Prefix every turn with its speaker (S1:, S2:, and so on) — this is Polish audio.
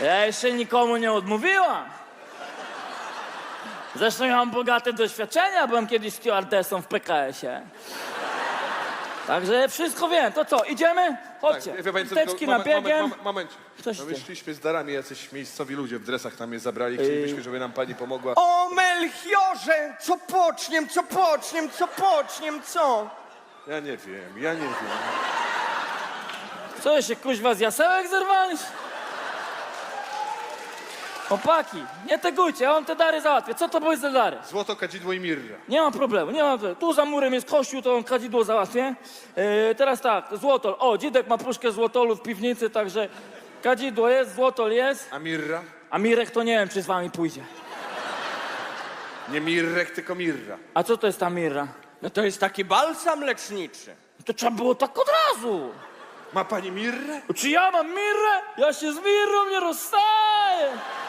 S1: Ja jeszcze nikomu nie odmówiłam. Zresztą ja mam bogate doświadczenia, byłem kiedyś stewardessą w PKS-ie. Także wszystko wiem. To co, idziemy? Chodźcie.
S2: Tak, wie pani co,
S1: Teczki
S2: tylko
S1: na biegiem.
S2: Moment.
S1: Coś
S2: No
S1: ty.
S2: wyszliśmy z darami, jacyś miejscowi ludzie w dresach nam je zabrali. Chcielibyśmy, żeby nam pani pomogła.
S3: O, Melchiorze! Co poczniem, co?
S2: Ja nie wiem.
S1: Co się kuźwa z jasełek zerwaliś? Chłopaki, nie tegujcie, ja wam te dary załatwię. Co to były za dary?
S2: Złoto, kadzidło i mirra.
S1: Nie ma problemu. Tu za murem jest kościół, to on kadzidło załatwię. Teraz tak, złotol. O, dzidek ma puszkę złotolu w piwnicy, także kadzidło jest, złotol jest.
S2: A mirra?
S1: A Mirek to nie wiem, czy z wami pójdzie.
S2: Nie mirrek, tylko mirra.
S1: A co to jest ta mirra?
S3: No to jest taki balsam leczniczy.
S1: To trzeba było tak od razu.
S2: Ma pani mirrę?
S1: Czy ja mam mirrę? Ja się z mirrą nie rozstaję.